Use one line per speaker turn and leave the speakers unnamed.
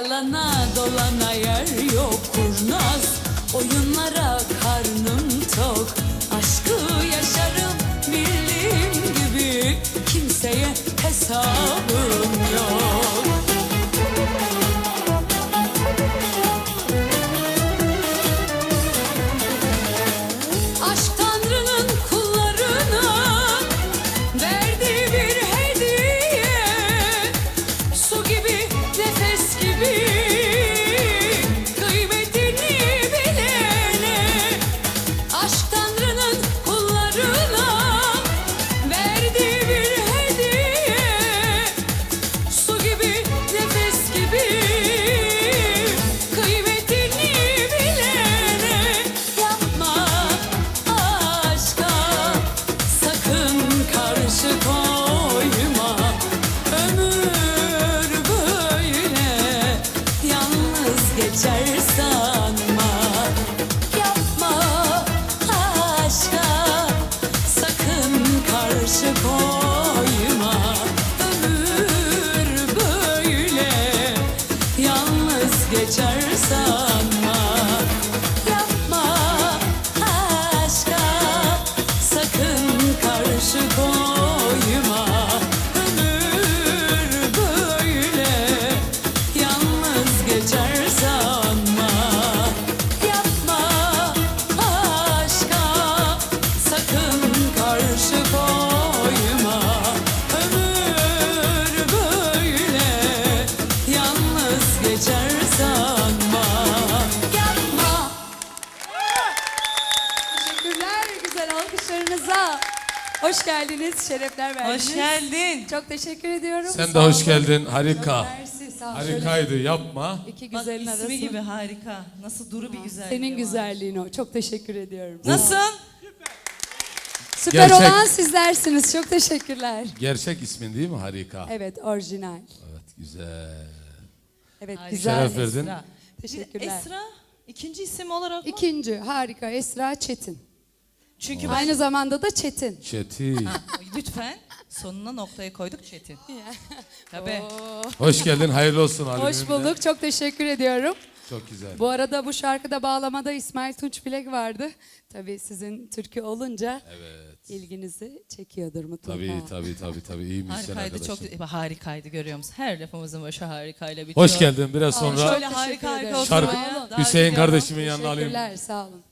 Yalana dolana yer yok kurnaz, oyunlara karnım tok. Aşkı yaşarım bildiğim gibi, kimseye hesabım yok. Aşk Tanrı'nın kullarına verdiği bir hediye, su gibi, nefes gibi, kıymetini bilene. Aşk Tanrı'nın kullarına verdiği bir hediye, su gibi, nefes gibi, kıymetini bilene. Yapma aşka sakın karşı koyma, ömür böyle yalnız geçer sanma. Yapma aşka sakın karşı koyma, ömür böyle yalnız geçer sanma. Yapma aşka sakın karşı koyma, ömür böyle yalnız geçer sanma. Yapma aşka sakın karşı koyma, ömür böyle yalnız geçer sanma. Yapma.
Teşekkürler güzel alkışlarınıza. Hoş geldiniz, şerefler verdiniz.
Hoş geldin.
Çok teşekkür ediyorum.
Sen
Sağ
de hoş
olun.
geldin. Harika.
Mersi, sağ ol.
Harikaydı. Yapma.
Şöyle iki
Bak
güzelin
ismi
arasında.
gibi harika. Nasıl duru bir güzelliği
Senin
var.
güzelliğin o. Çok teşekkür ediyorum.
Nasıl?
Süper
Gerçek.
olan sizlersiniz. Çok teşekkürler.
Gerçek ismin değil mi? Harika.
Evet, orijinal.
Evet, güzel.
Evet,
Harika.
güzel.
Şeref verdin.
Esra.
Teşekkürler.
Esra ikinci isim olarak mı?
İkinci, harika. Esra Çetin.
Çünkü ben...
Aynı zamanda da Çetin.
Çetin.
Lütfen sonuna noktayı koyduk Çetin. Tabii.
Hoş geldin. Hayırlı olsun albümünde.
Hoş bulduk. Çok teşekkür ediyorum.
Çok güzel.
Bu arada bu şarkıda bağlamada İsmail Tunç Bilek vardı. Tabii sizin türkü olunca ilginizi çekiyordur mutlaka.
Tabii. İyi müzisyen
Harikaydı,
arkadaşım.
çok harikaydı görüyor musun? Her lafımızın başı harikayla bitiyor.
Hoş geldin. Biraz sonra
Şöyle harika
Teşekkür ederim.
olsun.
şarkı
ya. Daha
Hüseyin
gidiyorum.
kardeşimin yanına alayım.
Teşekkürler, sağ olun.